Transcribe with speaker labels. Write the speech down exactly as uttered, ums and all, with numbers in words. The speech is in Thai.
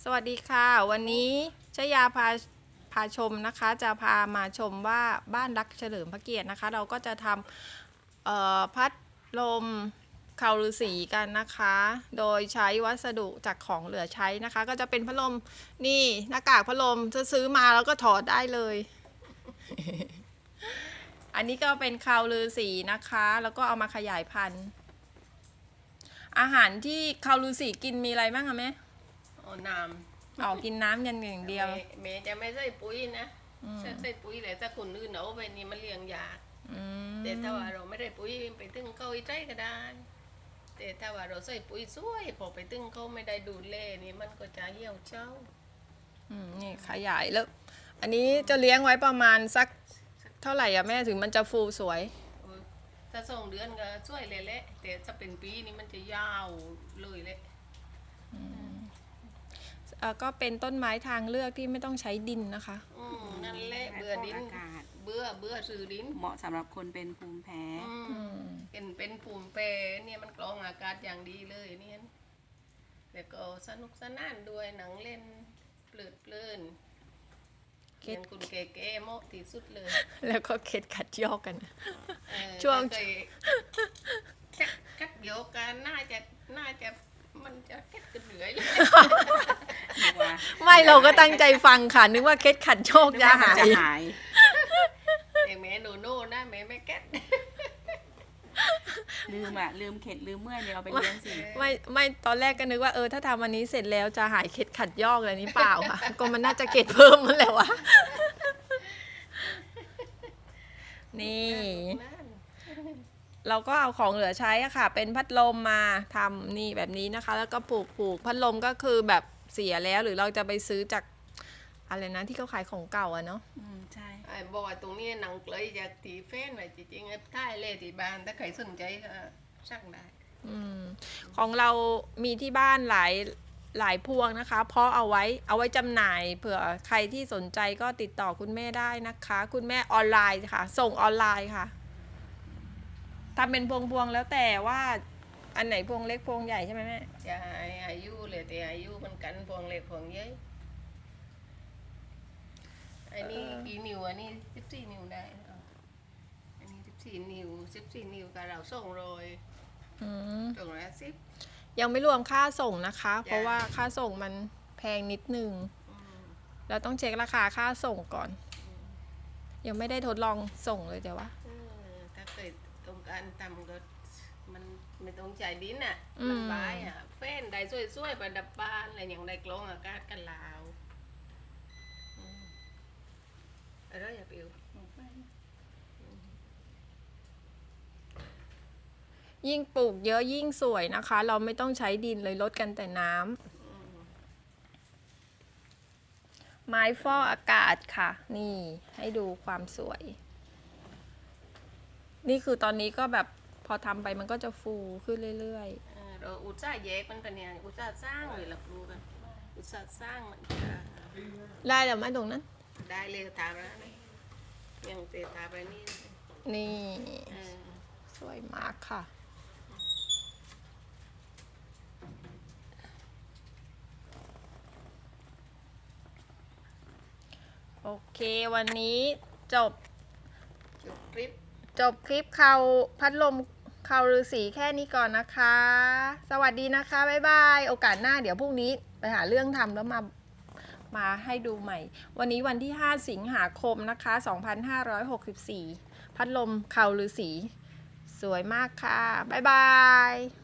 Speaker 1: สวัสดีค่ะวันนี้ชยาพาพาชมนะคะจะพามาชมว่าบ้านรักเฉลิมพระเกียรตินะคะเราก็จะทำพัดลมเขาฤาษีกันนะคะ โดยใช้วัสดุจากของเหลือใช้นะคะ ก็จะเป็นพัดลมนี่หน้ากากพัดลมจะซื้อมาแล้วก็ถอดได้เลย อันนี้ก็เป็นเขาฤาษีนะคะแล้วก็เอามาขยายพันธุ์อาหารที่เขาฤาษีกินมีอะไรบ้างคะแม่
Speaker 2: เอาน้ำ
Speaker 1: ออกกินน้ำยันอย่างเดียว
Speaker 2: เมย์จะไม่ใส่ปุ๋ยนะใส่ใส่ปุ๋ยเลยถ้าคนอื่นเอาไปนี่มันเลี้ยงยากแต่ถ้าว่าเราไม่ได้ปุ๋ยไปตึงเขาอีใจก็ได้แต่ถ้าว่าเราใส่ปุ๋ยช่วยพอไปตึงเขาไม่ได้ดูแลนี่มันก็จะเหี่ยวเจ้า
Speaker 1: อืมนี่ขยายแล้วอันนี้จะเลี้ยงไว้ประมาณสักเท่าไหร่อะแม่ถึงมันจะฟูสวย
Speaker 2: ถ้าสองเดือนก็ช่วยเลยแหละแต่ถ้าเป็นปีนี่มันจะยาวเลยแหละ
Speaker 1: ก็เป็นต้นไม้ทางเลือกที่ไม่ต้องใช้ดินนะคะ
Speaker 2: อืมนั่นแหละเบื่อดินเบื่อเบื่อซื้อดิน
Speaker 3: เหมาะสำหรับคนเป็นภูมิแพ้
Speaker 2: เป็นเป็นภูมิแพ้เนี่ยมันกรองอากาศอย่างดีเลยเนี่ยแล้วก็สนุกสนานด้วยหนังเล่นเพลิดเพลินเขียนคุณเก๋ๆเหมาะที่สุดเลย
Speaker 1: แล้วก็เข็ดขัดยอกกันช่วง
Speaker 2: คัดโยกกันน่าจะน่าจะมันจะเค็ดกันเหนื่อยเลย
Speaker 1: ไม่เราก็ตั้งใจฟังค่ะนึกว่าเค็ดขัดโชคจะหาย
Speaker 2: แต่แม่โนโน่นะแม่ไม่เค็ด
Speaker 3: ลืมอ่ะลืมเข็ดลืมเมื่อยเนี่ยเอาไปเลี้ยงสิ
Speaker 1: ไม่ไม่ตอนแรกก็นึกว่าเออถ้าทำวันนี้เสร็จแล้วจะหายเค็ดขัดยอกอะไรนี้เปล่าค่ะก็มันน่าจะเค็ดเพิ่มมันแหละวะนี่เราก็เอาของเหลือใช้อะค่ะเป็นพัดลมมาทำนี่แบบนี้นะคะแล้วก็ผูกผูกพัดลมก็คือแบบเสียแล้วหรือเราจะไปซื้อจากอะไรนะที่เขาขายของเก่าอะเนาะ
Speaker 3: อืมใช่
Speaker 2: ไอ้บอกว่าตรงนี้หนังเกลยจากตีแฟนไว้จริงๆไอ้ท้ายเล่ที่บ้านถ้าใครสนใจก็สั่งได้
Speaker 1: อืมของเรามีที่บ้านหลายหลายพวงนะคะเพราะเอาไว้เอาไว้จำหน่ายเผื่อใครที่สนใจก็ติดต่อคุณแม่ได้นะคะคุณแม่ออนไลน์ค่ะส่งออนไลน์ค่ะทำเป็นพวงๆแล้วแต่ว่าอันไหนพวงเล็กพวงใหญ่ใช่ไหมแม่
Speaker 2: จะอายุเลยแต่อายุมันกันพวงเล็กพวงใหญ่อันนี้กี่นิ้วอันนี้สิบสี่นิ้วได้อันนี้สิบสี่นิ้วสิบสี่นิ้วกับเราส่งโรยส่งร้อยสิบ
Speaker 1: ยังไม่รวมค่าส่งนะคะเพราะว่าค่าส่งมันแพงนิดนึงเราต้องเช็คราคาค่าส่งก่อนยังไม่ได้ทดลองส่งเลยเดี๋ยวว่า
Speaker 2: ถ้าเกิดตรงการทำก็มันไม่ต้องจ่ายดินอ่ะมันบายอ่ะเฟ้นได้สวยๆประดับบ้านอะไรอย่างได้กลองอากาศกันลาวอะไรอย่าปิว
Speaker 1: ยิ่งปลูกเยอะยิ่งสวยนะคะเราไม่ต้องใช้ดินเลยลดกันแต่น้ำไม้ฟอกอากาศค่ะนี่ให้ดูความสวยนี่คือตอนนี้ก็แบบพอทำไปมันก็จะฟูขึ้นเรื่อย
Speaker 2: ๆเราอุตส่าห์แยกมันเป็นเนี่ยอุตส่าห์สร้างเลยหลักรู้กันอุตส่าห์สร้างมัน
Speaker 1: ได้แล้วไหมตรงนั้น
Speaker 2: ได้เลยทาแล้วยังเตะทาไปนี่
Speaker 1: นี่สวยมากค่ะโอเควันนี้จบ
Speaker 2: จบคลิป
Speaker 1: จบคลิปเขาพัดลมเขาฤาษีแค่นี้ก่อนนะคะสวัสดีนะคะบ๊ายบายโอกาสหน้าเดี๋ยวพรุ่งนี้ไปหาเรื่องทำแล้วมามาให้ดูใหม่วันนี้วันที่ห้าสิงหาคมนะคะสองพันห้าร้อยหกสิบสี่พัดลมเขาฤาษีสวยมากค่ะบ๊ายบาย